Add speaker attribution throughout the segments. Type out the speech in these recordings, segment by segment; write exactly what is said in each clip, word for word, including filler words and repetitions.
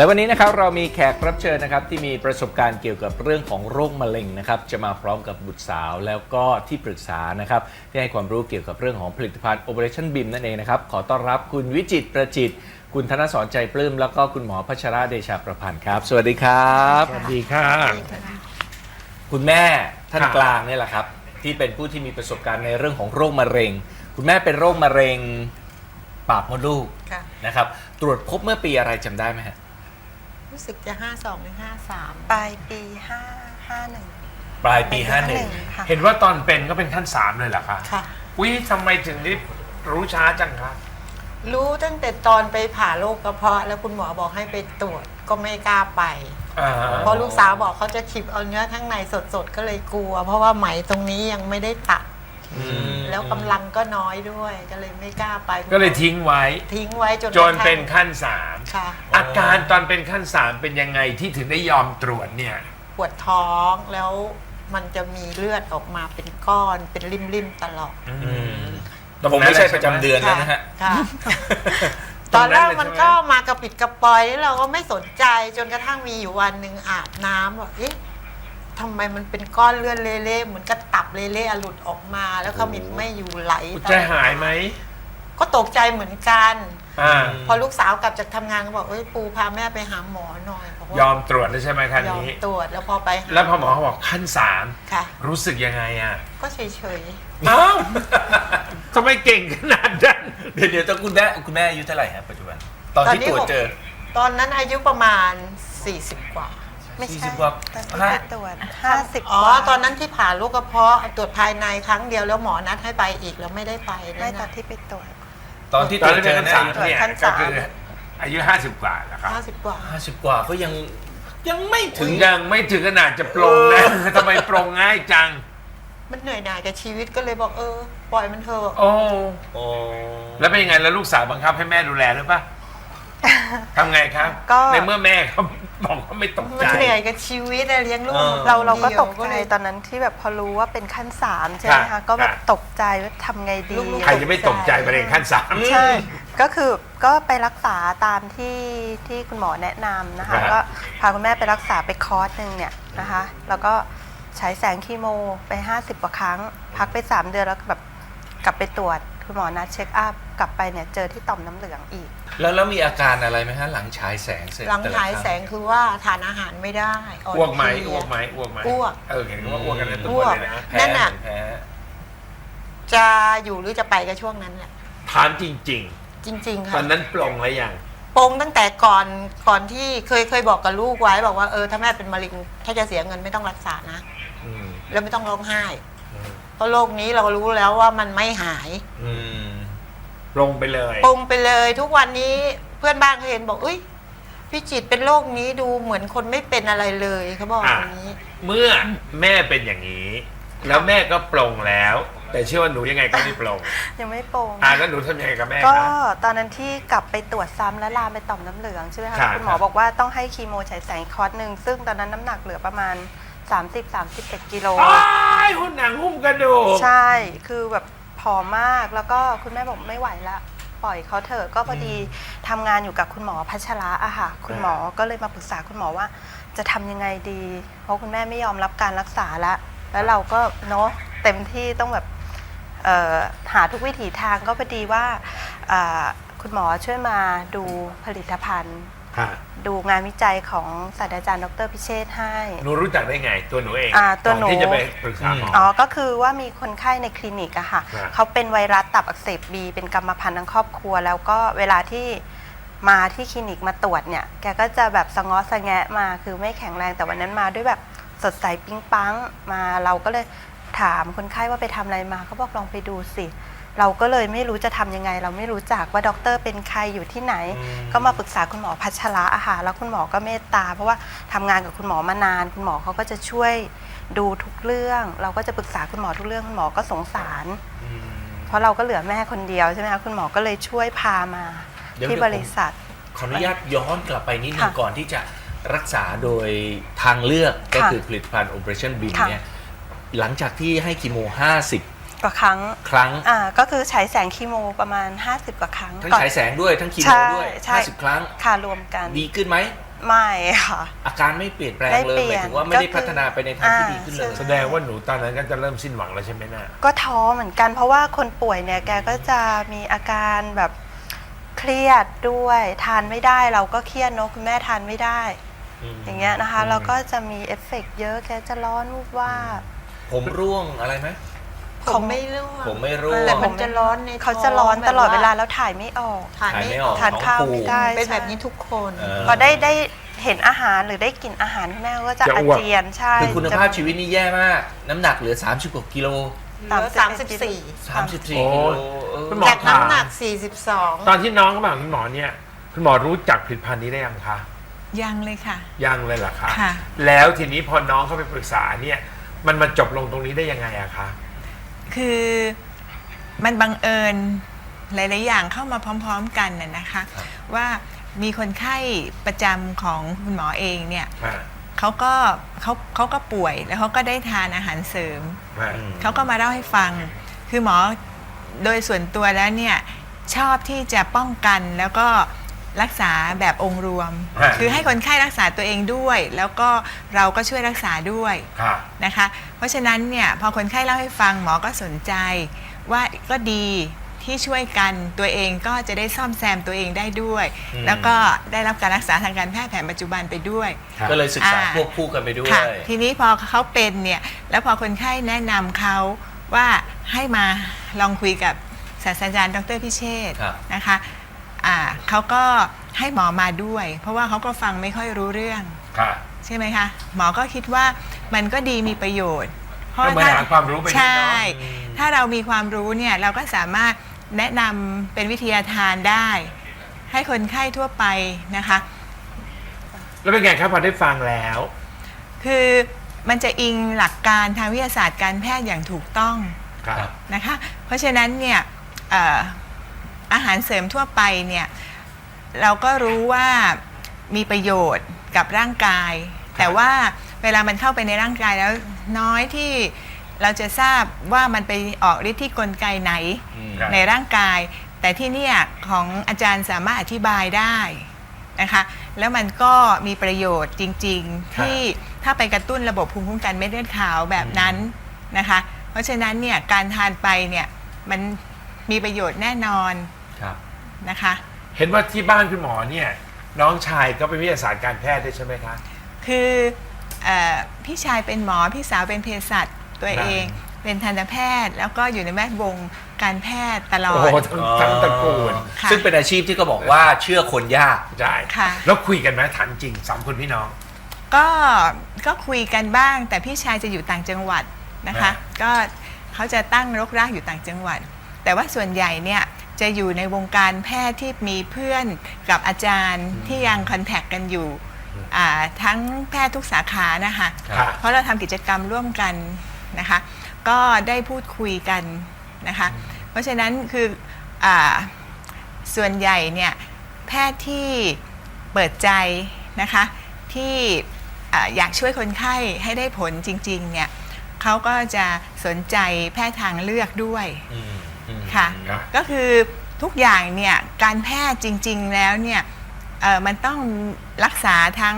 Speaker 1: และวันนี้นะครับเรามีแขกรับเชิญนะครับที่มีประสบการณ์เกี่ยวกับเรื่องของโรคมะเร็งนะครับจะมาพร้อมกับบุตรสาวแล้วก็ที่ปรึกษานะครับที่ให้ความรู้เกี่ยวกับเรื่องของผลิตภัณฑ์ Operationบี เอ็ม นั่นเองนะครับขอต้อนรับคุณวิจิตรประจิตรคุณธนสรใจปลื้มแล้วก็คุณหมอพัชระเดชาประพันธ์ครับสวัสดีครับ
Speaker 2: สวัสดีค่ะ
Speaker 1: คุณแม่ท่านกลางนี่แหละครับที่เป็นผู้ที่มีประสบการณ์ในเรื่องของโรคมะเร็งคุณแม่เป็นโรคมะเร็งปากมดลูกนะครับตรวจพบเมื่อปีอะไรจำได้ไหมฮะ
Speaker 3: รู้สึกจะห้าสองหรือห้าสาม
Speaker 4: ปลายปีห้าห้าหนึ่ง
Speaker 1: ปลายปีห้าหนึ่ง
Speaker 2: เห็นว่าตอนเป็นก็เป็นขั้นสามเลยเหรอคะ
Speaker 3: ค่ะ
Speaker 2: วิทำไมถึงได้รู้ช้าจังคะ
Speaker 3: รู้ตั้งแต่ตอนไปผ่าโรคกระเพาะแล้วคุณหมอบอกให้ไปตรวจก็ไม่กล้าไปเพราะลูกสาวบอกเขาจะขีบเอาเนื้อข้างในสดๆก็เลยกลัวเพราะว่าไหมตรงนี้ยังไม่ได้ตัดแล้วกำลังก็น้อยด้วยก็เลยไม่กล้าไป
Speaker 2: ก็เลยทิ้งไว้
Speaker 3: ทิ้งไว้จน
Speaker 2: จนเป็นขั้นสาม
Speaker 3: ค่ะ
Speaker 2: อาการตอนเป็นขั้นสามเป็นยังไงที่ถึงได้ยอมตรวจเนี่ย
Speaker 3: ปวดท้องแล้วมันจะมีเลือดออกมาเป็นก้อนเป็นริมๆตลอด
Speaker 1: แต่ผมไม่ใช่ประจำเดือนแล้วนะฮะ
Speaker 3: ตอนแรกมันก็มากระปิดกระปอยแล้วเราก็ไม่สนใจจนกระทั่งมีอยู่วันหนึ่งอาบน้ำบอกเอ๊ะทำไมมันเป็นก้อนเลือดเละๆเหมือนกระตับเละๆหลุดออกมาแล้วขมิบไม่อยู่ไหล
Speaker 2: ใจหายไหม
Speaker 3: ก็ตกใจเหมือนกันพอลูกสาวกลับจากทำงานก็บอกเอ้ยปูพาแม่ไปหาหมอหน่อย
Speaker 2: ยอมตรวจแล้วใช่ไหมครั้งนี้
Speaker 3: ยอมตรวจแล้วพอไป
Speaker 2: แล้วพอหมอเขาบอกขั้นสาม
Speaker 3: ค่ะ
Speaker 2: รู้สึกยังไงอ่ะ
Speaker 3: ก็เฉย
Speaker 2: ๆเอ้าทำไมเก่งขนาดนั้น
Speaker 1: เดี๋ยวเดี๋ยวคุณแม่คุณแม่อายุเท่าไหร่ฮะปัจจุบันตอนที่ตรวจเจอ
Speaker 3: ตอนนั้นอายุประมาณสี่สิบกว่า
Speaker 4: ไม่ใช่
Speaker 1: กว่า
Speaker 4: ห้าตรวจห้าสิบ
Speaker 3: อ๋อตอนนั้นที่ผ่าลูกกระเพาะตรวจภายในครั้งเดียวแล้วหมอนัดให้ไปอีกแล้วไม่ได้ไป
Speaker 4: ไม่ตอนที่ไปตรวจ
Speaker 1: ตอนที่ตรวจเจอ
Speaker 2: ขั้นสามเนี่ยก็คืออายุห้าสิบกว่าแล้วครับ
Speaker 3: ห้าสิบกว่า
Speaker 1: ห้าสิบกว่าก็ยังยังไม่ถึง
Speaker 2: ยังไม่ถึงขนาดจะปลงนะทำไมปลงง่ายจัง
Speaker 3: มันเหนื่อยหน่ายกับชีวิตก็เลยบอกเออปล่อยมันเถอะ
Speaker 2: โอ้โอ้แล้วเป็นยังไงแล้วลูกสาวบังคับให้แม่ดูแลหรือเปล่าทำไงครับในเมื่อแม่เขาบอกว่าไม่ตกใจ
Speaker 3: มันเหนื่อยกับชีวิตเลี้ยงลูก
Speaker 4: เราเราก็ตกใจตอนนั้นที่แบบพอรู้ว่าเป็นขั้นสามใช่ไหมคะก็แบบตกใจว่าทำไงดี
Speaker 2: ใครจะไม่ตกใจประเด็นขั้นสาม
Speaker 4: ใช่ก็คือก็ไปรักษาตามที่ที่คุณหมอแนะนำนะคะก็พาคุณแม่ไปรักษาไปคอร์สหนึ่งเนี่ยนะคะแล้วก็ใช้แสงคีโมไปห้าสิบกว่าครั้งพักไปสามเดือนแล้วแบบกลับไปตรวจคุณหมอนัดเช็คอัพกลับไปเนี่ยเจอที่ต่อมน้ำเหลืองอีก
Speaker 1: แล้วแล้วมีอาการอะไรไหมฮะหลังฉายแสงเสร็จ
Speaker 3: หลังฉายแสงคือว่าทานอาหารไม่ได้
Speaker 2: อ้วกไหมอ้วกไหมอ้วกไหม
Speaker 3: อ้วก
Speaker 2: เออเห็นว่าอ้วกกันในตัวเลยนะ
Speaker 3: นั่นน่ะจะอยู่หรือจะไปก็ช่วงนั้นแหละ
Speaker 2: ถามจริงจริง
Speaker 3: จริงๆค่ะ
Speaker 2: ตอนนั้นปลงแล้วยัง
Speaker 3: ปลงตั้งแต่ก่อนก่อนที่เคยเคยบอกกับลูกไว้บอกว่าเออถ้าแม่เป็นมะเร็งถ้าจะเสียเงินไม่ต้องรักษานะแล้วไม่ต้องร้องไห้เพราะโรคนี้เรารู้แล้วว่ามันไม่หาย
Speaker 2: ปลงไปเลย
Speaker 3: ปลงไปเลยทุกวันนี้เพื่อนบ้านเขาเห็นบอกอุ้ยพี่จิตเป็นโรคนี้ดูเหมือนคนไม่เป็นอะไรเลยเขาบอกอย่างนี้
Speaker 2: เมื่อแม่เป็นอย่างนี้แล้วแม่ก็ปลงแล้วแต่เชื่อว่าหนูยังไงก็ไม่ปลง
Speaker 4: ยังไม่ปลง
Speaker 2: อ่าแล้วหนูทำยังไงกับแม่
Speaker 4: ก็ตอนนั้นที่กลับไปตรวจซ้ำและลามไปต่อมน้ำเหลืองใช่ไหมคะคุณหมอบอกว่าต้องให้คีโมฉายแสงคอร์สหนึ่งซึ่งตอนนั้นน้ำหนักเหลือประมาณสามสิบ สามสิบเอ็ดกิโล
Speaker 2: อ้ายหุ่นหนังหุ้มกระดูก
Speaker 4: ใช่คือแบบผอมมากแล้วก็คุณแม่บอกไม่ไหวละปล่อยเขาเถอะก็พอดีทำงานอยู่กับคุณหมอพัชระอะค่ะคุณหมอก็เลยมาปรึกษาคุณหมอว่าจะทำยังไงดีเพราะคุณแม่ไม่ยอมรับการรักษาละแล้วเราก็เนาะเต็มที่ต้องแบบหาทุกวิถีทางก็พอดีว่าคุณหมอช่วยมาดูผลิตภัณฑ์ดูงานวิจัยของศาสตราจารย์ดรพิเชษฐ์ให้
Speaker 2: หนูรู้จักได้ไงตัวหนูเอง
Speaker 4: ตัวหนู
Speaker 2: ที่จะไปปรึกษาหมอ
Speaker 4: อ๋อก็คือว่ามีคนไข้ในคลินิกอะค่ะเขาเป็นไวรัสตับอักเสบบีเป็นกรรมพันธุ์ทั้งครอบครัวแล้วก็เวลาที่มาที่คลินิกมาตรวจเนี่ยแกก็จะแบบสะง้อสะแงะมาคือไม่แข็งแรงแต่วันนั้นมาด้วยแบบสดใสปิ๊งปังมาเราก็เลยถามคนไข้ว่าไปทำอะไรมาเขาบอกลองไปดูสิเราก็เลยไม่รู้จะทำยังไงเราไม่รู้จักว่าด็อกเตอร์เป็นใครอยู่ที่ไหนก็มาปรึกษาคุณหมอพัชระอาหารแล้วคุณหมอก็เมตตาเพราะว่าทำงานกับคุณหมอมานานคุณหมอเขาก็จะช่วยดูทุกเรื่องเราก็จะปรึกษาคุณหมอทุกเรื่องคุณหมอก็สงสารเพราะเราก็เหลือแม่คนเดียวใช่ไหมคะคุณหมอก็เลยช่วยพามาที่บริษัท
Speaker 1: ขออนุญาตย้อนกลับไปนิดนึงก่อนที่จะรักษาโดยทางเลือกก็คือผลิตภัณฑ์ Operationบี เอ็ม เนี่ยหลังจากที่ให้คีโมห้าสิบ
Speaker 4: กว่าครั้ง
Speaker 1: ครั้ง
Speaker 4: อ่าก็คือฉายแสงคีโมประมาณห้าสิบกว่าครั้ง
Speaker 1: ทั้งฉายแสงด้วยทั้งคีโมด้วยห้าสิบครั้ง
Speaker 4: ค่ะรวมกัน
Speaker 1: ดีขึ้นไหม
Speaker 4: ไม่ค่ะ
Speaker 1: อาการไม่เปลี่ยนแปลง
Speaker 4: ไม่
Speaker 1: เลย
Speaker 4: เปลี่
Speaker 1: ห
Speaker 4: ย
Speaker 1: มาน ยถึงว่าไม่ได้
Speaker 4: ก็คือ
Speaker 1: พัฒนาไปในทางที่ดีขึ้นเลย
Speaker 4: อ่า
Speaker 2: แสดงว่าหนูตอนนั้นก็จะเริ่มสิ้นหวังแล้วใช่ไหมน่ะ
Speaker 4: ก็ท้อเหมือนกันเพราะว่าคนป่วยเนี่ยแกก็จะมีอาการแบบเครียดด้วยทานไม่ได้เราก็เครียดเนอะคุณแม่ทานไม่ได้ อย่างเงี้ยนะคะเราก็จะมีเอฟเฟกต์เยอะแกจะร้อนวูบว่าบ
Speaker 1: ผมร่วงอะไรไหม
Speaker 3: ผมไม่ร่วง
Speaker 1: ผมไม่ร่วง
Speaker 3: แต่มันจะร้อนในท้ง
Speaker 4: เขาจะร้อนตลอดเวลา
Speaker 3: แบบ
Speaker 4: แล้วถ่ายไม่ออก
Speaker 3: ถ่ายไม่
Speaker 1: ถ่ายไม่
Speaker 3: อ
Speaker 1: อ
Speaker 3: อ
Speaker 1: อก ก
Speaker 4: ทานข้าวไม่ได้
Speaker 3: เป็นแบบ
Speaker 4: ใช่
Speaker 3: นี้ทุกคน
Speaker 1: เออ
Speaker 4: พอได้ได้เห็นอาหารหรือได้กลิ่นอาหารคุณแม่ก็จะ
Speaker 2: จะ
Speaker 4: อา
Speaker 2: อ้วก
Speaker 4: เจียนใช่
Speaker 1: คือคุณภาพ
Speaker 4: จะ
Speaker 1: ชีวิตนี่แย่มาก น้ำหนักเหลือสามสิบกว่ากิโล
Speaker 3: เหลือสามสิบสี่
Speaker 1: สามสิบสี่
Speaker 2: โอ้
Speaker 1: กิโลเออ
Speaker 2: คุณหมอ
Speaker 3: จากน้ำหนักสี่สิบสอง
Speaker 2: ตอนที่น้องเขามาหาคุณหมอเนี่ยคุณหมอรู้จักผลิตภัณฑ์นี้ได้ยังคะ
Speaker 5: ยังเลยค่ะ
Speaker 2: ยังเลยเหรอคะ
Speaker 5: ค่ะ
Speaker 2: แล้วทีนี้พอน้องเขาไปปรึกษาเนี่ยมันมาจบลงตรงนี้ได้ยังไงอะคะ
Speaker 5: คือมันบังเอิญหลาย ๆ อย่างเข้ามาพร้อม ๆ กันน่ะนะคะ ว่ามีคนไข้ประจำของคุณหมอเองเนี่ย
Speaker 2: อ่า
Speaker 5: เขาก็เขาเขาก็ป่วยแล้วเขาก็ได้ทานอาหารเสริม
Speaker 2: อ่า
Speaker 5: เขาก็มาเล่าให้ฟัง คือหมอโดยส่วนตัวแล้วเนี่ยชอบที่จะป้องกันแล้วก็รักษาแบบองค์รวม
Speaker 2: ฮะ
Speaker 5: คือให้คนไข้รักษาตัวเองด้วย แล้วก็เราก็ช่วยรักษาด้วย
Speaker 2: ค่ะ
Speaker 5: นะคะ เพราะฉะนั้นเนี่ยพอคนไข้เล่าให้ฟังหมอก็สนใจว่าก็ดีที่ช่วยกันตัวเองก็จะได้ซ่อมแซมตัวเองได้ด้วย
Speaker 1: อืม
Speaker 5: แล้วก็ได้รับการรักษาทางการแพทย์แผนปัจจุบันไปด้วย
Speaker 2: ครับ
Speaker 1: ก็เลยศึกษา
Speaker 5: อ่า
Speaker 1: ควบคู่กันไปด้วย
Speaker 5: ค่ะทีนี้พอเขาเป็นเนี่ยแล้วพอคนไข้แนะนำเขาว่าให้มาลองคุยกับศาสตราจารย์ดรพิเชษฐ์
Speaker 1: ครับ
Speaker 5: นะคะอ่าเขาก็ให้หมอมาด้วย เพราะว่าเขาก็ฟังไม่ค่อยรู้เรื่อง
Speaker 2: ค่ะ
Speaker 5: ใช่ไหมคะหมอก็คิดว่ามันก็ดีมีประโยชน์ เพราะ
Speaker 2: ก็เหมือนหาความรู้ไปด้วยเนอะ
Speaker 5: ใช่ถ้าเรามีความรู้เนี่ยเราก็สามารถแนะนำเป็นวิทยาทานได้ ให้คนไข้ทั่วไปนะคะ
Speaker 2: แล้วเป็นไงครับพอได้ฟังแล้ว
Speaker 5: คือมันจะอิงหลักการทางวิทยาศาสตร์การแพทย์อย่างถูกต้อง
Speaker 2: ครับ
Speaker 5: นะคะ เพราะฉะนั้นเนี่ยเอ่ออาหารเสริมทั่วไปเนี่ยเราก็รู้ว่ามีประโยชน์กับร่างกาย แต่ว่าเวลามันเข้าไปในร่างกายแล้วน้อยที่เราจะทราบว่ามันไปออกฤทธิ์ที่กลไกไหน
Speaker 1: อืม
Speaker 2: ครับ
Speaker 5: ในร่างกาย แต่ที่เนี่ยของอาจารย์สามารถอธิบายได้นะคะแล้วมันก็มีประโยชน์จริงๆที่ถ้าไปกระตุ้นระบบภูมิคุ้มกันเม็ดเลือดขาวแบบนั้นนะคะเพราะฉะนั้นเนี่ยการทานไปเนี่ยมันมีประโยชน์แน่นอน
Speaker 1: ครับ
Speaker 5: นะคะ
Speaker 2: เห็นว่าที่บ้านคุณหมอเนี่ยน้องชายก็เป็นวิทยาศาสตร์การแพทย์ด้วยใช่ไหมคะ
Speaker 5: คือเออพี่ชายเป็นหมอพี่สาวเป็นเภสัชตัวเอง เป็นทันตแพทย์แล้วก็อยู่ในแวดวงการแพทย์ตลอ
Speaker 2: โอ้
Speaker 5: ด
Speaker 2: โหทั้งทั้งตระกูล
Speaker 5: ค่ะ
Speaker 1: ซึ่งเป็นอาชีพที่ก็บอกว่าเชื่อคนยาก
Speaker 2: ใช่
Speaker 5: ค่ะ
Speaker 2: แล้วคุยกันไหมถามจริงสามคนพี่น้อง
Speaker 5: ก็ก็คุยกันบ้างแต่พี่ชายจะอยู่ต่างจังหวัดนะคะ
Speaker 2: อ่า
Speaker 5: ก็เขาจะตั้งรกรากอยู่ต่างจังหวัด แต่ว่าส่วนใหญ่เนี่ยจะอยู่ในวงการแพทย์ที่มีเพื่อนกับอาจารย์ที่ยังคอนแทคกันอยู่อ่าทั้งแพทย์ทุกสาขานะคะ
Speaker 2: ค่ะ
Speaker 5: เพราะเราทำกิจกรรมร่วมกันนะคะ ก็ได้พูดคุยกันนะคะ เพราะฉะนั้นคืออาส่วนใหญ่เนี่ยแพทย์ที่เปิดใจนะคะที่อ่าอยากช่วยคนไข้ให้ได้ผลจริงๆเนี่ยเขาก็จะสนใจแพทย์ทางเลือกด้วย
Speaker 1: อืมอืม
Speaker 5: ค่ะ
Speaker 2: ครับ
Speaker 5: ก็คือทุกอย่างเนี่ยการแพทย์จริงๆแล้วเนี่ยเอ่อมันต้องรักษาทั้ง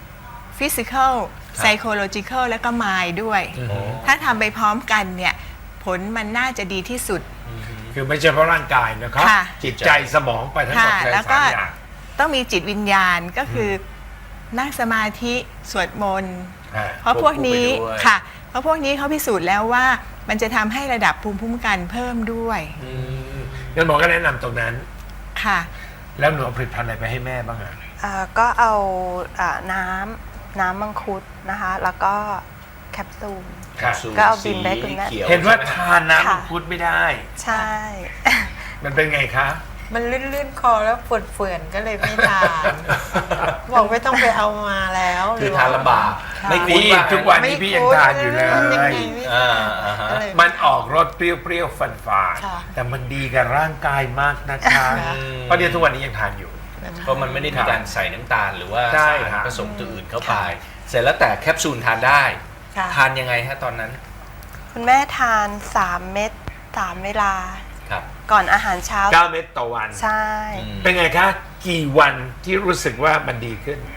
Speaker 5: physical psychological และก็ mind ด้วย
Speaker 2: โอ้
Speaker 5: ถ้าทำไปพร้อมกันเนี่ยผลมันน่าจะดีที่สุด
Speaker 2: คือไม่ใช่เพราะร่างกายนะครับ
Speaker 5: ค่ะ
Speaker 2: จิตใจสมองไปทั้งหมด
Speaker 5: ค่ะ
Speaker 2: เลย
Speaker 5: แล้วก็
Speaker 2: สามอย่าง
Speaker 5: ต้องมีจิตวิญญาณก็คืออนั่งสมาธิสวดมนต์
Speaker 2: อ่า
Speaker 5: เพราะพวกนี้
Speaker 1: ควบคู่ไปด้วย
Speaker 5: ค่ะ เพราะพวกนี้เขาพิสูจน์แล้วว่ามันจะทำให้ระดับภูมิคุ้มกันเพิ่มด้วย
Speaker 2: อืมงั้นหมอก็แนะนำตรงนั้น
Speaker 5: ค่ะ
Speaker 2: แล้วหนูเอาผลิตภัณฑ์อะไรไปให้แม่บ้างอะ
Speaker 4: อ่าก็เอาอ่าน้ำน้ำมังคุดนะคะ แล้วก็แคปซูล
Speaker 2: ค่ะ
Speaker 1: สูตร
Speaker 4: ก็เอาบินไปให้คุณแม่
Speaker 1: สีขียว
Speaker 2: เห็นว่า
Speaker 1: ใช่ไม
Speaker 2: ทานน้ำมั
Speaker 4: ค่ะ
Speaker 2: งคุดไม่ได้
Speaker 4: ใช่
Speaker 2: มันเป็นไงคะ
Speaker 3: มันลื่นๆคอแล้วเฟื่อนๆก็เลยไม่ทาน บอกไม่ต้องไปเอามาแล้ว
Speaker 1: คือทานลำบาก
Speaker 3: ค่ะ
Speaker 1: ไม่คุ้น
Speaker 2: นี่
Speaker 1: ว่า
Speaker 2: ทุกวัน
Speaker 3: ไม่
Speaker 2: นี้พี่ยัง
Speaker 3: คุ้น
Speaker 2: ทานอยู่เลย
Speaker 3: ยังไงไม่
Speaker 1: อ่าอ่าฮะ
Speaker 3: ก็เลย
Speaker 2: มันออกรสเปรี้ยวๆฝันฝาดๆ
Speaker 3: ค่ะ
Speaker 2: แต่มันดีกับร่างกายมากนะคะ
Speaker 3: ค่ะ
Speaker 2: เพราะเดี๋ยวทุกวันนี้ยังทานอยู่
Speaker 1: เพราะมันไม่ได้มีการใส่น้ำตาลหรือว่า
Speaker 2: ใช่
Speaker 1: สาร
Speaker 2: ครับ
Speaker 1: ผสมตัวอื่นเข้าไป เสร็จแล้วแต่แคปซูลทานได้
Speaker 3: ค่ะ
Speaker 1: ทานยังไงฮะตอนนั้น
Speaker 4: คุณแม่ทานสามเม็ดสามเวลา
Speaker 1: ครับ
Speaker 4: ก่อนอาหารเช้า
Speaker 2: เก้าเม็ดต่อวัน
Speaker 4: ใช่
Speaker 1: อืม
Speaker 2: เป็นไงคะ กี่วันที่รู้สึกว่ามันดีขึ้น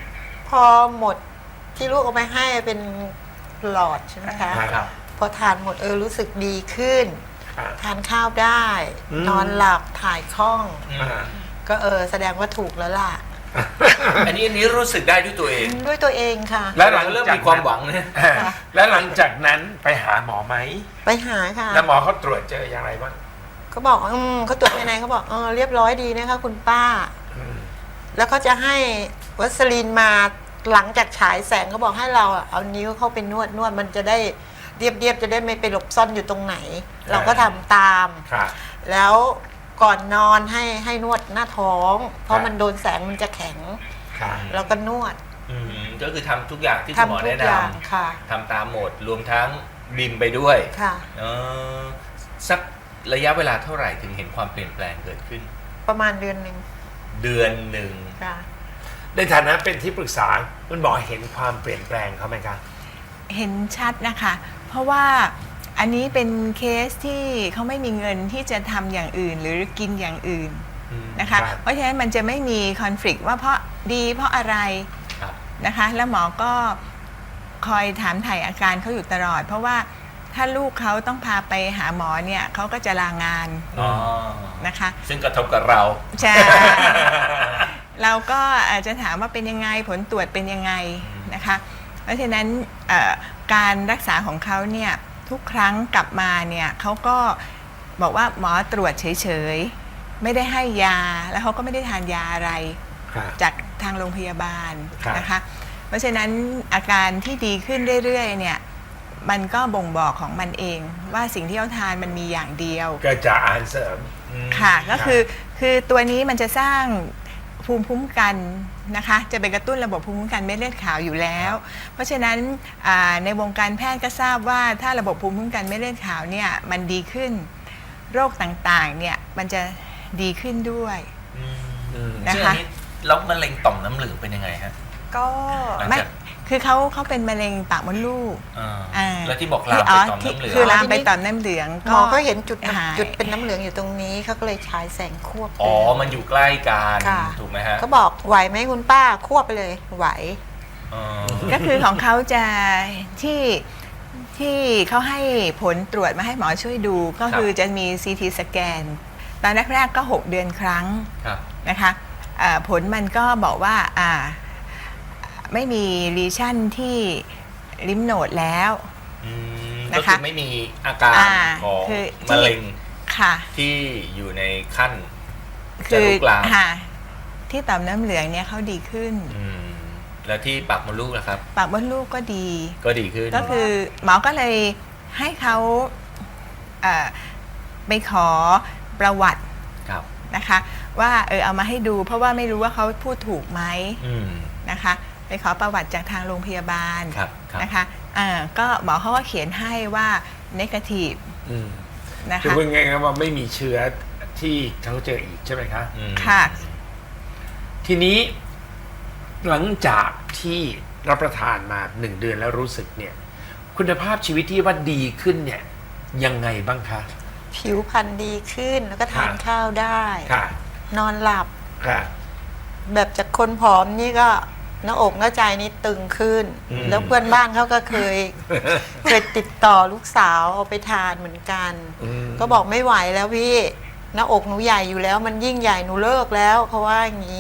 Speaker 3: พอหมดที่ลูกเอาไปให้เป็นหลอดใช่ไหมคะ
Speaker 2: ครับ
Speaker 3: พอทานหมดเออรู้สึกดีขึ้น
Speaker 2: ครับ
Speaker 3: ทานข้าวได้
Speaker 2: อืม
Speaker 3: นอนหลับถ่ายคล่อง
Speaker 2: อ่า
Speaker 3: ก็เออแสดงว่าถูกแล้วล่ะ
Speaker 1: อันนี้อันนี้รู้สึกได้ด้วยตัวเอง
Speaker 3: ด้วยตัวเองค่ะ
Speaker 2: แล้วหลัง
Speaker 1: เริ่ม
Speaker 2: จาก
Speaker 1: มีความหวังเนี่ย
Speaker 2: อ่าแล้วหลังจากนั้นไปหาหมอไหม
Speaker 3: ไปหาค่ะ
Speaker 2: แล้วหมอเขาตรวจเจออย่างไรบ้าง
Speaker 3: เขาบอกอืมเขาตรวจภายในเขาบอกเออเรียบร้อยดีนะคะคุณป้า
Speaker 2: อืม
Speaker 3: แล้วเขาจะให้วัสลีนมาหลังจากฉายแสงเขาบอกให้เราอะเอานิ้วเข้าไปนวดนวดมันจะได้เรียบเรียบๆจะได้ไม่ไปหลบซ่อนอยู่ตรงไหน เราก็ทำตาม
Speaker 2: ครับ
Speaker 3: แล้วก่อนนอนให้ให้นวดหน้าท้อง เพ
Speaker 2: ครั
Speaker 3: ราะ
Speaker 2: บ
Speaker 3: มันโดนแสงมันจะแข็ง
Speaker 2: ครับ
Speaker 3: เราก็นวด
Speaker 1: อืมก็คือทำทุกอย่างที่คุณหมอ
Speaker 3: ทำทุ
Speaker 1: แนะ
Speaker 3: ก
Speaker 1: น
Speaker 3: อย่างค่ะ
Speaker 1: ำทำตามหมดรวมทั้งบิมไปด้วย
Speaker 3: ค่ะ
Speaker 1: เออสักระยะเวลาเท่าไหร่ถึงเห็นความเปลี่ยนแปลงเกิดขึ้น
Speaker 3: ประมาณเดือนหนึ่ง
Speaker 1: เดือนหนึ่ง
Speaker 3: ค่ะ
Speaker 2: ในฐานะเป็นที่ปรึกษาคุณหมอเห็นความเปลี่ยนแปลงเขาไหมครับ
Speaker 5: เห็นชัดนะคะ เพราะว่าอันนี้เป็นเคสที่เขาไม่มีเงินที่จะทำอย่างอื่นหรือกินอย่างอื่นนะคะ
Speaker 2: ครับ
Speaker 5: เพราะฉะนั้นมันจะไม่มีคอนฟ lict ว่าเพราะดีเพราะอะไร
Speaker 1: ครับ
Speaker 5: นะคะ แล้วหมอก็คอยถามถ่ายอาการเขาอยู่ตลอด เพราะว่าถ้าลูกเขาต้องพาไปหาหมอเนี่ยเขาก็จะลางาน
Speaker 1: อ๋อ
Speaker 5: นะคะ
Speaker 1: ซึ่งกระทบกับเรา
Speaker 5: ใช่ เราก็อาจจะถามว่าเป็นยังไงผลตรวจเป็นยังไงนะคะ เพราะฉะนั้นเอ่อการรักษาของเขาเนี่ยทุกครั้งกลับมาเนี่ยเขาก็บอกว่าหมอตรวจเฉยๆไม่ได้ให้ยาแล้วเขาก็ไม่ได้ทานยาอะไร
Speaker 2: ครับ
Speaker 5: จากทางโรงพยาบาล
Speaker 2: ครับ
Speaker 5: นะคะ เพราะฉะนั้นอาการที่ดีขึ้นเรื่อยๆเนี่ยมันก็บ่งบอกของมันเองว่าสิ่งที่เขาทานมันมีอย่างเดียว
Speaker 2: ก็จะอาหารเสริม
Speaker 5: ค่ะก็คือคือตัวนี้มันจะสร้างภูมิคุ้มกันนะคะจะไปกระตุ้นระบบภูมิคุ้มกันเม็ดเลือดขาวอยู่แล้ว เพราะฉะนั้นอ่าในวงการแพทย์ก็ทราบว่าถ้าระบบภูมิคุ้มกันเม็ดเลือดขาวเนี่ยมันดีขึ้นโรคต่างๆเนี่ยมันจะดีขึ้นด้วย นะคะ
Speaker 1: ซึ่งอันนี้แล้วมะเร็งต่อมน้ำเหลืองเป็นยังไงฮะ
Speaker 4: ก็
Speaker 1: หลัง
Speaker 5: ไม่
Speaker 1: จาก
Speaker 5: คือเขาเขาเป็นมะเร็งปากมดลูก
Speaker 1: อ่า
Speaker 5: อ่า
Speaker 1: แล้วที่บอกลามไป
Speaker 5: อ๋อ
Speaker 1: ต่อม
Speaker 5: ที่
Speaker 1: น้ำเหลือง
Speaker 5: คือลามไปต่อมน้ำเหลือง
Speaker 3: หมอก็เห็นจุด
Speaker 5: หาย
Speaker 3: จุดเป็นน้ำเหลืองอยู่ตรงนี้เขาก็เลยฉายแสงควบไป
Speaker 1: อ๋อ มันอยู่ใกล้กัน
Speaker 3: ค่ะ
Speaker 1: ถูกไหมฮะ
Speaker 3: เขาบอกไหวไหมคุณป้าควบไปเลยไหว
Speaker 1: อ๋อ
Speaker 5: ก็คือของเขาจะที่ที่เขาให้ผลตรวจมาให้หมอช่วยดู ก็คือจะมี ซี ที สแกน ตอนแรกๆก็ หก เดือนครั้ง
Speaker 1: ครับ
Speaker 5: นะคะเอ่อผลมันก็บอกว่าอ่าไม่มีลีชั่นที่ลิมโนดแล้ว
Speaker 1: อืม
Speaker 5: นะคะ
Speaker 1: ก็คือไม่มีอาการ
Speaker 5: อ่า
Speaker 1: ของ
Speaker 5: คือ
Speaker 1: มะเร็ง
Speaker 5: ค่ะ
Speaker 1: ที่อยู่ในขั้นจะ
Speaker 5: คือ
Speaker 1: ลุกลาม
Speaker 5: ค่ะที่ต่อมน้ำเหลืองเนี่ยเขาดีขึ้น
Speaker 1: อืมแล้วที่ปากมดลูกนะครับ
Speaker 5: ปากมดลูกก็ดี
Speaker 1: ก็ดีขึ้น
Speaker 5: ก็คือหมอก็เลยให้เขาเอ่อไปขอประวัติ
Speaker 1: ครับ
Speaker 5: นะคะว่าเออเอามาให้ดูเพราะว่าไม่รู้ว่าเขาพูดถูกไหม
Speaker 1: อืม
Speaker 5: นะคะไปขอประวัติจากทางโรงพยาบาล
Speaker 1: ครับครับ
Speaker 5: นะคะอ่าก็หมอเขาก็เขียนให้ว่า negative
Speaker 2: อืม
Speaker 5: นะ
Speaker 2: คือ
Speaker 5: คะ
Speaker 2: พูดง่ายๆว่าไม่มีเชื้อที่เขาเจออีกใช่ไหมคะ
Speaker 1: อืม
Speaker 5: ค่ะ
Speaker 2: ทีนี้หลังจากที่รับประทานมาหนึ่งเดือนแล้วรู้สึกเนี่ย คุณภาพชีวิตที่ว่าดีขึ้นเนี่ย ยังไงบ้างคะ
Speaker 3: ผิวพรรณดีขึ้นแล้วก็ทาน
Speaker 2: ค่ะ
Speaker 3: ข้าวได้
Speaker 2: ค่ะ
Speaker 3: นอนหลับ
Speaker 2: ค่ะ
Speaker 3: แบบจากคนผอมนี่ก็หน้าอกหน้าใจนี่ตึงขึ้น
Speaker 2: อืม
Speaker 3: แล้วเพื่อนบ้านเขาก็เคย เคยติดต่อลูกสาวเอาไปทานเหมือนกัน
Speaker 2: อืม
Speaker 3: ก็บอกไม่ไหวแล้วพี่ หน้าอกหนูใหญ่อยู่แล้ว มันยิ่งใหญ่หนูเลิกแล้วเขาว่าอย่างนี้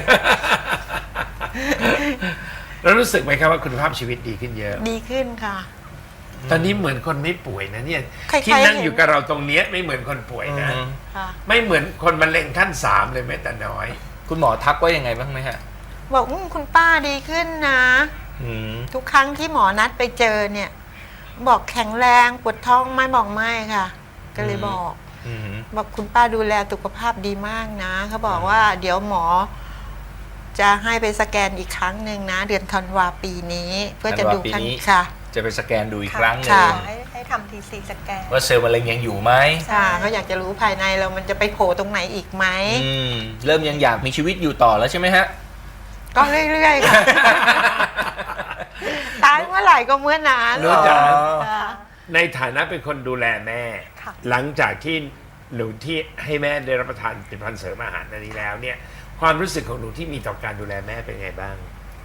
Speaker 2: แล้วรู้สึกไหมครับว่าคุณภาพชีวิตดีขึ้นเยอะ
Speaker 3: ดีขึ้นค่ะ
Speaker 2: ตอนนี้เหมือนคนไม่ป่วยนะเนี่ย
Speaker 3: ใครๆ
Speaker 2: ที่นั่ง
Speaker 3: เห็น
Speaker 2: อยู่กับเราตรงเนี้ยไม่เหมือนคนป่วยนะ
Speaker 1: อืม
Speaker 3: ค่ะ
Speaker 2: ไม่เหมือนคนมะเร็งขั้นสามเลยแม้แต่น้อย
Speaker 1: คุณหมอทักว่ายังไงบ้างไหมฮะ
Speaker 3: บอกอมคุณป้าดีขึ้นนะ
Speaker 1: อืม
Speaker 3: ทุกครั้งที่หมอนัดไปเจอเนี่ย บอกแข็งแรงปวดท้องไหม่บอกไม่ค่ะ ก็เลยบอก
Speaker 1: อืม
Speaker 3: บอกคุณป้าดูแลสุขภาพดีมากนะเขาบอกว่าเดี๋ยวหมอ จะให้ไปสแกนอีกครั้งหนึ่งนะ เดือนธันวาปีนี้ เพื่อจะดู
Speaker 1: ธันวาปี
Speaker 3: ขั้น
Speaker 1: นี้
Speaker 3: ค่ะ
Speaker 1: จะไปสแกนดูอีกครั้งหนึ่ง
Speaker 3: ค่ะ
Speaker 4: ให้ให้ทำทีซีสแกน
Speaker 1: ว่าเซลล์มะเร็งยังอยู่ไหม
Speaker 3: ค่ะเขาอยากจะรู้ภายในเรามันจะไปโผล่ตรงไหนอีกไหม
Speaker 1: อืมเริ่มยังอยากมีชีวิตอยู่ต่อแล้วใช่ไหมฮะ
Speaker 3: ก็เรื่อยๆค่ะ ตายเมื่อไหร่ก็เมื่อนั้น
Speaker 2: รู้จัก
Speaker 3: ค่ะ
Speaker 2: ในฐานะเป็นคนดูแลแม่
Speaker 4: ค่ะ
Speaker 2: หลังจากที่หนูที่ให้แม่ได้รับประทานผลิตภัณฑ์เสริมอาหารอันนี้แล้วเนี่ย ความรู้สึกของหนูที่มีต่อการดูแลแม่เป็นไงบ้าง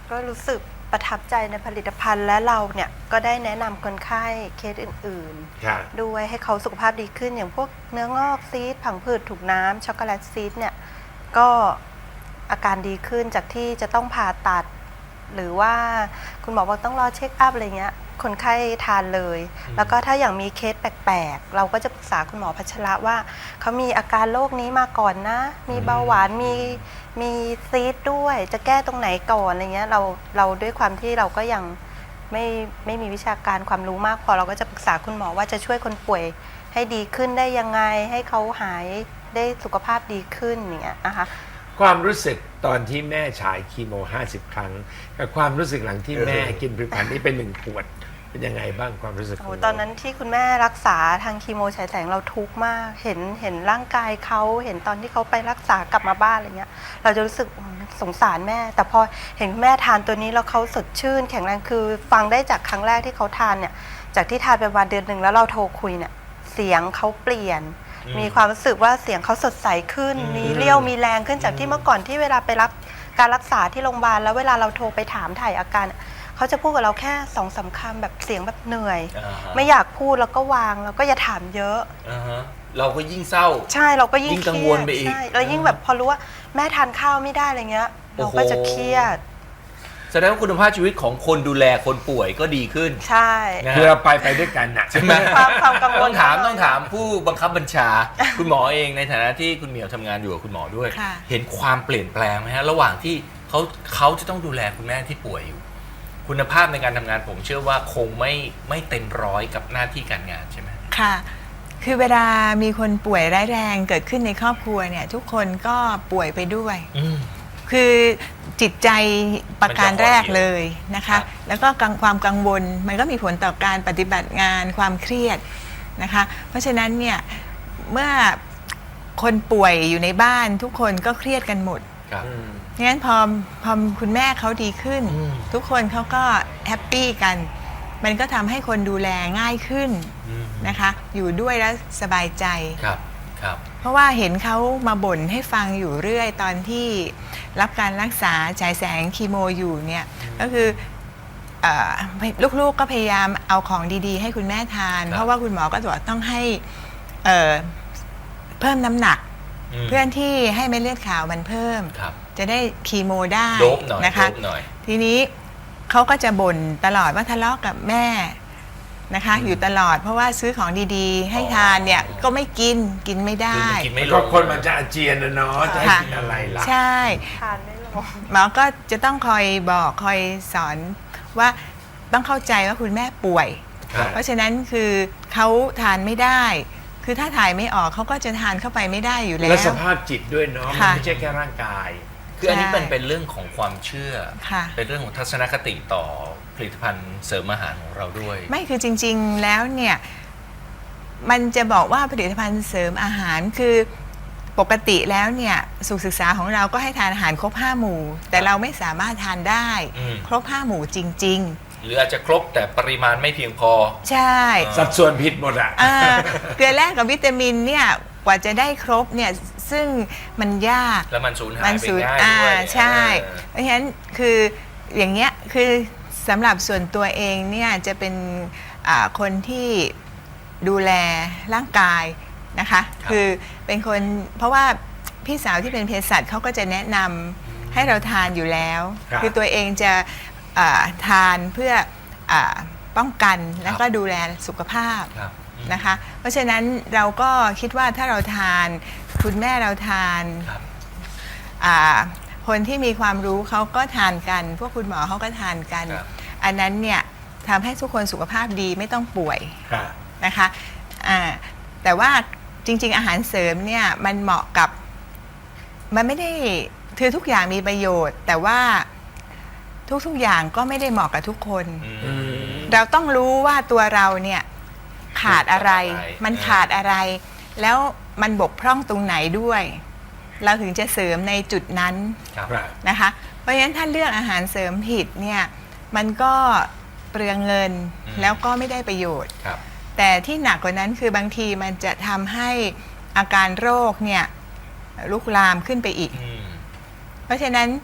Speaker 4: ก็รู้สึกประทับใจในผลิตภัณฑ์และเราเนี่ยก็ได้แนะนำคนไข้เคสอื่น
Speaker 2: ครับ
Speaker 4: ๆ ด้วยให้เขาสุขภาพดีขึ้นอย่างพวกเนื้องอกซีสผังผืดถูกน้ำช็อกโกแลตซีสเนี่ยก็อาการดีขึ้นจากที่จะต้องผ่าตัด หรือว่าคุณหมอบอกต้องรอเช็คอัพอะไรเงี้ยคนไข้ทานเลย แล้วก็ถ้าอย่างมีเคสแปลกๆเราก็จะปรึกษาคุณหมอพัชระว่าเขามีอาการโรคนี้มาก่อนนะ มีเบาหวานมีมีซีสด้วย จะแก้ตรงไหนก่อนอะไรเงี้ยเราเราด้วยความที่เราก็ยังไม่ไม่มีวิชาการความรู้มากพอเราก็จะปรึกษาคุณหมอว่าจะช่วยคนป่วยให้ดีขึ้นได้ยังไงให้เขาหายได้สุขภาพดีขึ้นอย่างเงี้ยนะคะ
Speaker 2: ความรู้สึกตอนที่แม่ฉายคีโมห้าสิบครั้งกับความรู้สึกหลังที่แม่กินผลิตภัณฑ์นี้เป็นหนึ่งขวดเป็นยังไงบ้างความรู้สึกข
Speaker 4: โอ้
Speaker 2: อง
Speaker 4: ตอนนั้นที่คุณแม่รักษาทางคีโมฉายแสงเราทุกข์มากเห็นเห็นร่างกายเขาเห็นตอนที่เขาไปรักษากลับมาบ้านอะไรเงี้ยเราจะรู้สึกอืมสงสารแม่ แต่พอเห็นคุณแม่ทานตัวนี้แล้วเขาสดชื่นแข็งแรงคือฟังได้จากครั้งแรกที่เขาทานเนี่ยจากที่ทานไปประมาณเดือนหนึ่งแล้วเราโทรคุยเนี่ยเสียงเขาเปลี่ยน มีความรู้สึกว่าเสียงเขาสดใสขึ้น มีเรี่ยวมีแรงขึ้นจากที่เมื่อก่อนที่เวลาไปรับการรักษาที่โรงพยาบาลแล้วเวลาเราโทรไปถามถ่ายอาการเขาจะพูดกับเราแค่สองสามคำแบบเสียงแบบเหนื่อย
Speaker 1: อ่าฮะ
Speaker 4: ไม่อยากพูดแล้วก็วางแล้วก็อย่าถามเยอะ
Speaker 1: อ่าฮะเราก็ยิ่งเศร้า
Speaker 4: ใช่เราก็ยิ่ง
Speaker 1: ยิ่งกังวลไปอีก
Speaker 4: ใช่แล้วยิ่งแบบพอรู้ว่าแม่ทานข้าวไม่ได้อะไรเงี้ย
Speaker 1: โอ้
Speaker 4: เรา
Speaker 1: โห
Speaker 4: ก็จะเครียด
Speaker 1: แสดงว่าคุณภาพชีวิตของคนดูแลคนป่วยก็ดีขึ้น
Speaker 4: ใช่
Speaker 1: นะ
Speaker 2: คือเราไปไปด้วยกันนะ
Speaker 1: ใช่ไหม
Speaker 4: ความความกังวล
Speaker 1: ต้องถาม
Speaker 4: น้อย
Speaker 1: ต้องถามผู้บังคับบัญชา คุณหมอเองในฐานะที่คุณเหมียวทำงานอยู่กับคุณหมอด้วย
Speaker 5: ค่ะ
Speaker 1: เห็นความเปลี่ยนแปลงไหมฮะระหว่างที่เขาเขาจะต้องดูแลคุณแม่ที่ป่วยอยู่ คุณภาพในการทำงานผมเชื่อว่าคงไม่ไม่เต็มร้อยกับหน้าที่การงานใช่ไหม
Speaker 5: ค่ะ คือเวลามีคนป่วยร้ายแรงเกิดขึ้นในครอบครัวเนี่ยทุกคนก็ป่วยไปด้วย
Speaker 1: อืม
Speaker 5: คือจิตใจประการแรกเลยนะ
Speaker 1: ครั
Speaker 5: คะ
Speaker 1: บ
Speaker 5: แล้วก็กังความกังวลมันก็มีผลต่อการปฏิบัติงานความเครียดนะคะ เพราะฉะนั้นเนี่ยเมื่อคนป่วยอยู่ในบ้านทุกคนก็เครียดกันหมด
Speaker 1: ครับ
Speaker 5: งั้นพอพอคุณแม่เขาดีขึ้น
Speaker 1: อืม
Speaker 5: ทุกคนเขาก็แฮปปี้กัน มันก็ทำให้คนดูแลง่ายขึ้น
Speaker 1: อืม
Speaker 5: นะคะ อยู่ด้วยแล้วสบายใจ
Speaker 1: ครับครับ
Speaker 5: เพราะว่าเห็นเขามาบ่นให้ฟังอยู่เรื่อยตอนที่รับการรักษาฉายแสงคีโมอยู่เนี่ยก็คือเอ่อลูกๆก็พยายามเอาของดีๆ ให้คุณแม่ทาน
Speaker 1: ครับ
Speaker 5: เพราะว่าคุณหมอก็บอกต้องให้เอ่อเพิ่มน้ำหนัก
Speaker 1: ม
Speaker 5: เพื่อนที่ให้เม็ดเลือดขาวมันเพิ่ม
Speaker 1: ครับ
Speaker 5: จะได้คีโมได้
Speaker 1: โดบหน่อย
Speaker 5: นะคะ
Speaker 1: โดบหน่อย
Speaker 5: ทีนี้เขาก็จะบ่นตลอดว่าทะเลาะกับแม่นะคะ
Speaker 1: อืม
Speaker 5: อยู่ตลอดเพราะว่าซื้อของดีๆ ให้
Speaker 1: อ๋อ
Speaker 5: ทานเนี่ยก็ไม่กินกินไม่
Speaker 1: คือ
Speaker 5: ได้
Speaker 1: มันกินไม่ล
Speaker 2: ก็
Speaker 1: ง
Speaker 2: คนมันจะอาเจียนนะเนาะจะให้
Speaker 5: ค่ะ
Speaker 2: กินอะไรล่ะ
Speaker 5: ใช่
Speaker 4: ทานไม่ลง
Speaker 5: หมอก็จะต้องคอยบอกคอยสอนว่าต้องเข้าใจว่าคุณแม่ป่วย
Speaker 1: ครับ
Speaker 5: เพราะฉะนั้นคือเขาทานไม่ได้ คือถ้าถ่ายไม่ออกเขาก็จะทานเข้าไปไม่ได้อยู่แล้
Speaker 2: และ
Speaker 5: ว
Speaker 2: สภาพจิตด้วยเนาะมัน
Speaker 5: ค่ะ
Speaker 2: ไม่ใช่แค่ร่างกาย
Speaker 1: คืออันนี้
Speaker 5: ใช่
Speaker 1: เป็นเป็นเรื่องของความเชื่อ
Speaker 5: ค่ะ
Speaker 1: เป็นเรื่องของทัศนคติต่อผลิตภัณฑ์เสริมอาหารของเราด้วย
Speaker 5: ไม่คือจริงๆแล้วเนี่ยมันจะบอกว่าผลิตภัณฑ์เสริมอาหารคือปกติแล้วเนี่ยสุขศึกษาของเราก็ให้ทานอาหารครบห้าหมู่ แต่เราไม่สามารถทานได้
Speaker 1: อืม
Speaker 5: ครบห้าหมู่จริง
Speaker 1: หรืออาจจะครบแต่ปริมาณไม่เพียงพอ
Speaker 5: ๆ ใช่
Speaker 2: สัดส่วนผิดหมดอ่ะ
Speaker 5: อ่าเกลือแร่กับวิตามินเนี่ยกว่าจะได้ครบเนี่ยซึ่งมันยาก
Speaker 1: แล้วมันสูญหาย
Speaker 5: มัน
Speaker 1: ไป
Speaker 5: สูญ
Speaker 1: ง่าย
Speaker 5: อ่า
Speaker 1: ด้วย
Speaker 5: ใช่
Speaker 1: เออ
Speaker 5: เพราะฉะนั้นคืออย่างเงี้ยคือสำหรับส่วนตัวเองเนี่ยจะเป็นอ่าคนที่ดูแลร่างกายนะคะคือเป็นคนเพราะว่าพี่สาวที่เป็นเภสัชเขาก็จะแนะนำให้เราทานอยู่แล้ว
Speaker 2: ครับ
Speaker 5: คือตัวเองจะอ่าทานเพื่ออาป้องกันแล้วก็ดูแลสุขภาพ
Speaker 1: ครับ
Speaker 5: นะคะเพราะฉะนั้นเราก็คิดว่าถ้าเราทานคุณแม่เราทาน
Speaker 1: ครับ
Speaker 5: อ่าคนที่มีความรู้เขาก็ทานกัน พวกคุณหมอเขาก็ทานกัน
Speaker 1: ครับ
Speaker 5: อันนั้นเนี่ยทำให้ทุกคนสุขภาพดีไม่ต้องป่วย
Speaker 2: ค่ะ
Speaker 5: นะคะอ่าแต่ว่าจริง ๆ อาหารเสริมเนี่ยมันเหมาะกับมันไม่ได้คือทุกอย่างมีประโยชน์ แต่ว่าทุกๆอย่างก็ไม่ได้เหมาะกับทุกคน
Speaker 1: อืม
Speaker 5: เราต้องรู้ว่าตัวเราเนี่ยขาดอะไร
Speaker 1: ขาดอะไร
Speaker 5: มันขาดอะไร แล้วมันบกพร่องตรงไหนด้วย เราถึงจะเสริมในจุดนั้น
Speaker 1: ครับ
Speaker 2: ครับ
Speaker 5: นะคะ เพราะฉะนั้นถ้าเลือกอาหารเสริมผิดเนี่ยมันก็เปลืองเงิน
Speaker 1: อืม
Speaker 5: แล้วก็ไม่ได้ประโยชน์
Speaker 1: ครับ
Speaker 5: แต่ที่หนักกว่านั้นคือบางทีมันจะทำให้อาการโรคเนี่ยลุกลามขึ้นไปอีก
Speaker 1: อืม
Speaker 5: เพราะฉะนั้น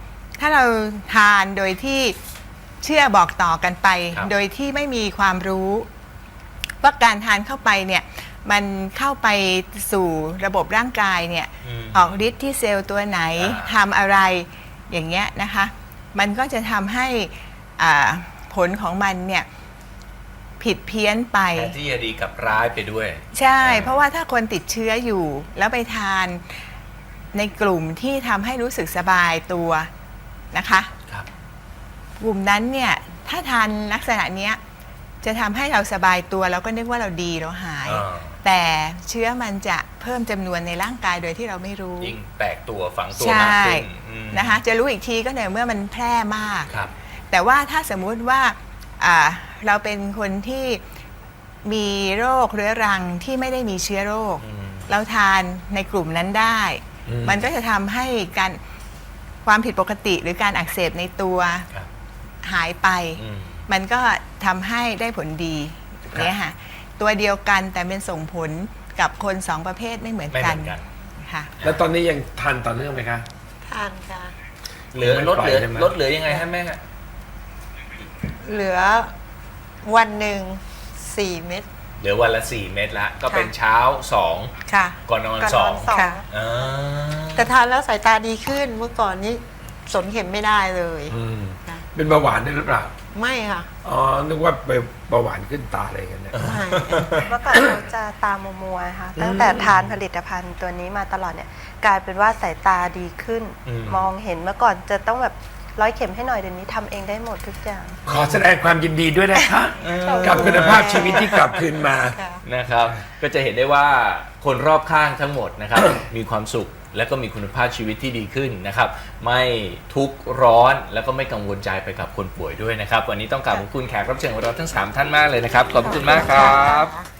Speaker 5: ถ้าเราทานโดยที่เชื่อบอกต่อกันไป
Speaker 1: ครับ
Speaker 5: โดยที่ไม่มีความรู้ว่าการทานเข้าไปเนี่ยมันเข้าไปสู่ระบบร่างกายเนี่ย
Speaker 1: อืม
Speaker 5: ออกฤทธิ์ที่เซลล์ตัวไหน
Speaker 1: อ่า
Speaker 5: ทำอะไรอย่างเงี้ยนะคะมันก็จะทำให้อ่าผลของมันเนี่ยผิดเพี้ยนไป
Speaker 1: แทนที่จะดีกับร้ายไปด้วย
Speaker 5: ใช่
Speaker 1: อ่า
Speaker 5: เพราะว่าถ้าคนติดเชื้ออยู่แล้วไปทานในกลุ่มที่ทำให้รู้สึกสบายตัวนะคะ
Speaker 1: ครับ
Speaker 5: กลุ่มนั้นเนี่ยถ้าทานลักษณะเนี้ยจะทำให้เราสบายตัวเราก็นึกว่าเราดีเราหาย
Speaker 1: อ่า
Speaker 5: แต่เชื้อมันจะเพิ่มจำนวนในร่างกายโดยที่เราไม่รู้
Speaker 1: ยิ่งแตกตัวฝังตัว
Speaker 5: ใช่
Speaker 1: มากขึ้นอืม
Speaker 5: นะคะจะรู้อีกทีก็ในเมื่อมันแพร่มาก
Speaker 1: ครับ
Speaker 5: แต่ว่าถ้าสมมุติว่าอ่าเราเป็นคนที่มีโรคเรื้อรังที่ไม่ได้มีเชื้อโรค
Speaker 1: อืม
Speaker 5: เราทานในกลุ่มนั้นได้
Speaker 2: อืม
Speaker 5: มันก็จะทำให้การความผิดปกติหรือการอักเสบในตัว
Speaker 1: ครับ
Speaker 5: หายไป
Speaker 1: อืม
Speaker 5: มันก็ทำให้ได้ผลดีเนี่ยค่ะตัวเดียวกันแต่เป็นส่งผลกับคนสองประเภทไม่เหมือน
Speaker 1: ไม่เห
Speaker 5: กั
Speaker 1: มื
Speaker 5: น
Speaker 1: อนกัน
Speaker 5: ค่ะ
Speaker 2: แล้วตอนนี้ยังทานต่อเนื่องไหมคะ
Speaker 3: ทานค่ะ
Speaker 1: เหลือ
Speaker 2: ไม่
Speaker 1: ลด
Speaker 2: ปล่อย
Speaker 1: เหลือ
Speaker 2: ใช่ไหม
Speaker 1: ลดเหลือยังไงฮะแม่ฮะ
Speaker 3: เหลือวันหนึ่งสี่เม็ด
Speaker 1: เหลือวันละสี่เม็ดละก็เป็น
Speaker 3: ค่ะ
Speaker 1: เช้าสอง
Speaker 3: ค่ะ
Speaker 1: ก่อนนอน
Speaker 4: ก่อน
Speaker 1: ส
Speaker 4: น
Speaker 1: อ
Speaker 4: อง นสอง
Speaker 3: ค่ะ
Speaker 1: อ่า
Speaker 3: แต่ทานแล้วสายตาดีขึ้นเมื่อก่อนนี้สนเข็มไม่ได้เลย
Speaker 2: อืม
Speaker 3: ค่ะ
Speaker 2: เป็นเบาหวานด้วยหรือเปล่า
Speaker 3: ไม่ค่ะ
Speaker 2: อ๋อ นึกว่าไปเบาหวานขึ้นตาอะไรกันเนี่ย
Speaker 3: ไม่
Speaker 4: เมื่อก่อนเราจะตามัวๆนะคะตั้งแต่ทานผลิตภัณฑ์ตัวนี้มาตลอดเนี่ยกลายเป็นว่าสายตาดีขึ้น
Speaker 1: อืม
Speaker 4: มองเห็นเมื่อก่อนจะต้องแบบร้อยเข็มให้หน่อยเดี๋ยวนี้ทำเองได้หมดทุกอย่าง
Speaker 2: ขอแสดงความยินดีด้วยนะคะ
Speaker 1: เออ
Speaker 2: กับคุณภาพชีวิตที่กลับคืนมา
Speaker 3: ค่ะ
Speaker 1: นะครับ ก็จะเห็นได้ว่าคนรอบข้างทั้งหมดนะครับ มีความสุขและก็มีคุณภาพชีวิตที่ดีขึ้นนะครับ ไม่ทุกข์ร้อนแล้วก็ไม่กังวลใจไปกับคนป่วยด้วยนะครับ วันนี้ต้องกราบขอบคุณแขกรับเชิญของเราทั้งสามท่านมากเลยนะครับ ขอบคุณมากครับ
Speaker 3: ค่ะ